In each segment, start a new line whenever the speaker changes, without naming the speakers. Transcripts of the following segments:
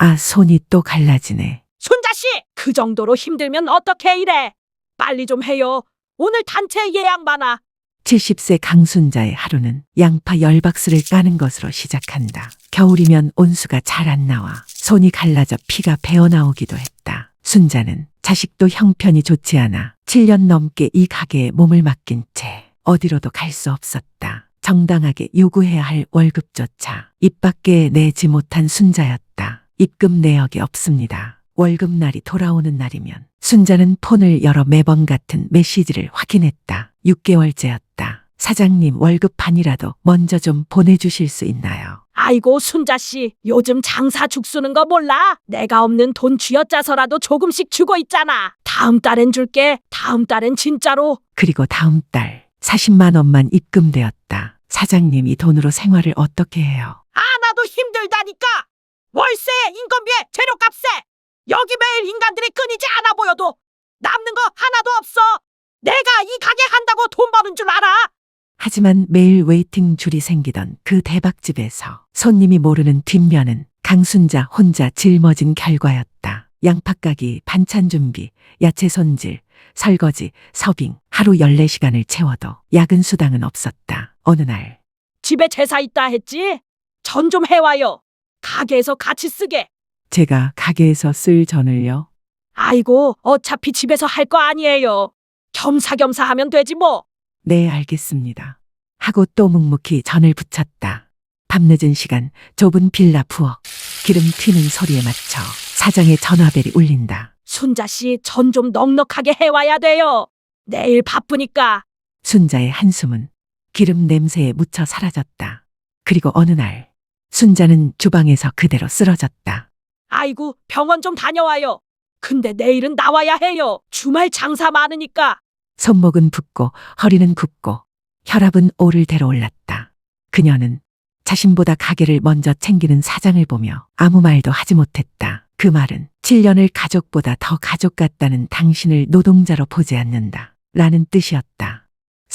손이 또 갈라지네.
순자씨, 그 정도로 힘들면 어떻게 이래? 빨리 좀 해요. 오늘 단체 예약 많아.
70세 강순자의 하루는 양파 10박스를 까는 것으로 시작한다. 겨울이면 온수가 잘 안 나와 손이 갈라져 피가 배어나오기도 했다. 순자는 자식도 형편이 좋지 않아 7년 넘게 이 가게에 몸을 맡긴 채 어디로도 갈 수 없었다. 정당하게 요구해야 할 월급조차 입 밖에 내지 못한 순자였다. 입금 내역이 없습니다. 월급날이 돌아오는 날이면 순자는 폰을 열어 매번 같은 메시지를 확인했다. 6개월째였다. 사장님 월급 반이라도 먼저 좀 보내주실 수 있나요?
아이고 순자씨, 요즘 장사 죽쓰는 거 몰라? 내가 없는 돈 쥐어짜서라도 조금씩 주고 있잖아. 다음 달엔 줄게. 다음 달엔 진짜로.
그리고 다음 달 40만 원만 입금되었다. 사장님 이 돈으로 생활을 어떻게 해요?
나도 힘들다니까. 월세, 인건비에, 재료값에. 여기 매일 인간들이 끊이지 않아 보여도 남는 거 하나도 없어. 내가 이 가게 한다고 돈 버는 줄 알아?
하지만 매일 웨이팅 줄이 생기던 그 대박집에서 손님이 모르는 뒷면은 강순자 혼자 짊어진 결과였다. 양파 까기, 반찬 준비, 야채 손질, 설거지, 서빙, 하루 14시간을 채워도 야근 수당은 없었다. 어느 날
집에 제사 있다 했지? 전 좀 해와요. 가게에서 같이 쓰게.
제가 가게에서 쓸 전을요?
아이고, 어차피 집에서 할 거 아니에요. 겸사겸사 하면 되지 뭐.
네, 알겠습니다. 하고 또 묵묵히 전을 부쳤다. 밤늦은 시간 좁은 빌라 부엌 기름 튀는 소리에 맞춰 사장의 전화벨이 울린다.
순자씨, 전 좀 넉넉하게 해와야 돼요. 내일 바쁘니까.
순자의 한숨은 기름 냄새에 묻혀 사라졌다. 그리고 어느 날 순자는 주방에서 그대로 쓰러졌다.
아이고, 병원 좀 다녀와요. 근데 내일은 나와야 해요. 주말 장사 많으니까.
손목은 붓고 허리는 굽고 혈압은 오를 대로 올랐다. 그녀는 자신보다 가게를 먼저 챙기는 사장을 보며 아무 말도 하지 못했다. 그 말은 7년을 가족보다 더 가족 같다는 당신을 노동자로 보지 않는다. 라는 뜻이었다.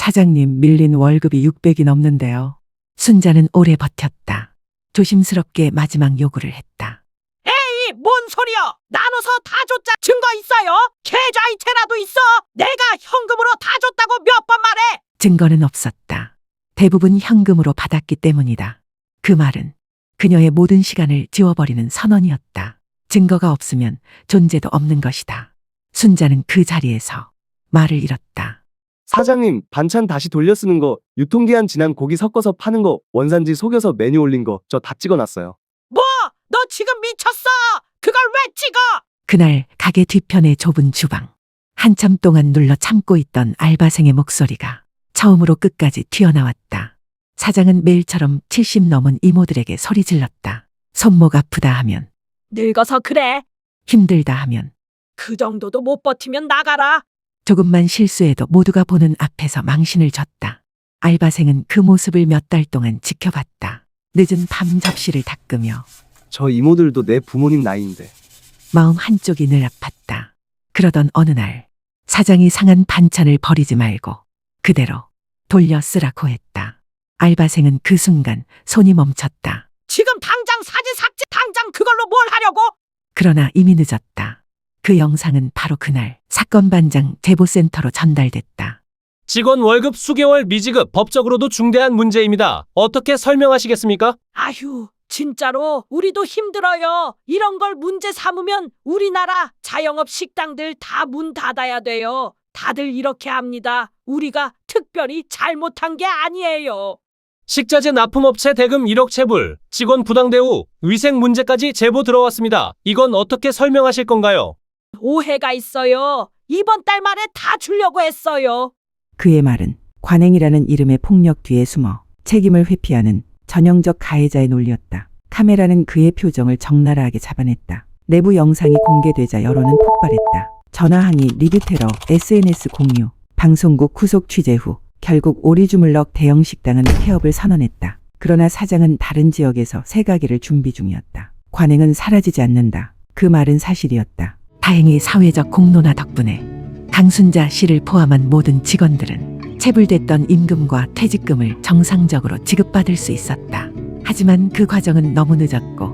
사장님 밀린 월급이 600이 넘는데요. 순자는 오래 버텼다. 조심스럽게 마지막 요구를 했다.
에이, 뭔 소리여? 나눠서 다 줬자 증거 있어요? 계좌이체라도 있어? 내가 현금으로 다 줬다고 몇 번 말해?
증거는 없었다. 대부분 현금으로 받았기 때문이다. 그 말은 그녀의 모든 시간을 지워버리는 선언이었다. 증거가 없으면 존재도 없는 것이다. 순자는 그 자리에서 말을 잃었다.
사장님, 반찬 다시 돌려 쓰는 거, 유통기한 지난 고기 섞어서 파는 거, 원산지 속여서 메뉴 올린 거, 저 다 찍어놨어요.
뭐? 너 지금 미쳤어? 그걸 왜 찍어?
그날 가게 뒤편의 좁은 주방. 한참 동안 눌러 참고 있던 알바생의 목소리가 처음으로 끝까지 튀어나왔다. 사장은 매일처럼 70 넘은 이모들에게 소리 질렀다. 손목 아프다 하면,
늙어서 그래.
힘들다 하면,
그 정도도 못 버티면 나가라.
조금만 실수해도 모두가 보는 앞에서 망신을 줬다. 알바생은 그 모습을 몇 달 동안 지켜봤다. 늦은 밤 접시를 닦으며
저 이모들도 내 부모님 나이인데.
마음 한쪽이 늘 아팠다. 그러던 어느 날 사장이 상한 반찬을 버리지 말고 그대로 돌려 쓰라고 했다. 알바생은 그 순간 손이 멈췄다.
지금 당장 사진 삭제. 당장 그걸로 뭘 하려고?
그러나 이미 늦었다. 그 영상은 바로 그날 사건 반장 제보센터로 전달됐다.
직원 월급 수개월 미지급 법적으로도 중대한 문제입니다. 어떻게 설명하시겠습니까?
아휴, 진짜로 우리도 힘들어요. 이런 걸 문제 삼으면 우리나라 자영업 식당들 다 문 닫아야 돼요. 다들 이렇게 합니다. 우리가 특별히 잘못한 게 아니에요.
식자재 납품업체 대금 1억 체불, 직원 부당 대우, 위생 문제까지 제보 들어왔습니다. 이건 어떻게 설명하실 건가요?
오해가 있어요. 이번 달 말에 다 주려고 했어요.
그의 말은 관행이라는 이름의 폭력 뒤에 숨어 책임을 회피하는 전형적 가해자의 논리였다. 카메라는 그의 표정을 적나라하게 잡아냈다. 내부 영상이 공개되자 여론은 폭발했다. 전화 항의, 리뷰 테러, SNS 공유, 방송국 후속 취재 후 결국 오리주물럭 대형 식당은 폐업을 선언했다. 그러나 사장은 다른 지역에서 새 가게를 준비 중이었다. 관행은 사라지지 않는다. 그 말은 사실이었다.
다행히 사회적 공론화 덕분에 강순자 씨를 포함한 모든 직원들은 체불됐던 임금과 퇴직금을 정상적으로 지급받을 수 있었다. 하지만 그 과정은 너무 늦었고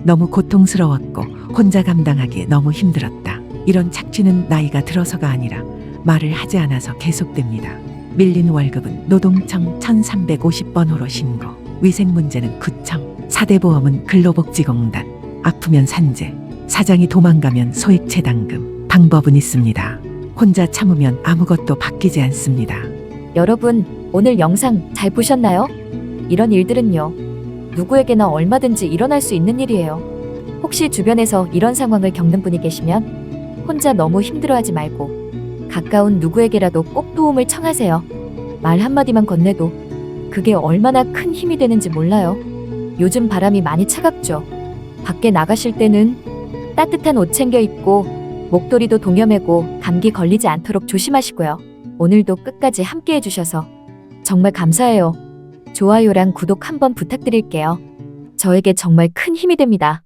너무 고통스러웠고 혼자 감당하기에 너무 힘들었다. 이런 착취는 나이가 들어서가 아니라 말을 하지 않아서 계속됩니다. 밀린 월급은 노동청 1350번호로 신고, 위생 문제는 구청, 4대 보험은 근로복지공단, 아프면 산재, 사장이 도망가면 소액체당금. 방법은 있습니다. 혼자 참으면 아무것도 바뀌지 않습니다.
여러분, 오늘 영상 잘 보셨나요? 이런 일들은요, 누구에게나 얼마든지 일어날 수 있는 일이에요. 혹시 주변에서 이런 상황을 겪는 분이 계시면 혼자 너무 힘들어하지 말고 가까운 누구에게라도 꼭 도움을 청하세요. 말 한마디만 건네도 그게 얼마나 큰 힘이 되는지 몰라요. 요즘 바람이 많이 차갑죠. 밖에 나가실 때는 따뜻한 옷 챙겨 입고 목도리도 동여매고 감기 걸리지 않도록 조심하시고요. 오늘도 끝까지 함께 해주셔서 정말 감사해요. 좋아요랑 구독 한번 부탁드릴게요. 저에게 정말 큰 힘이 됩니다.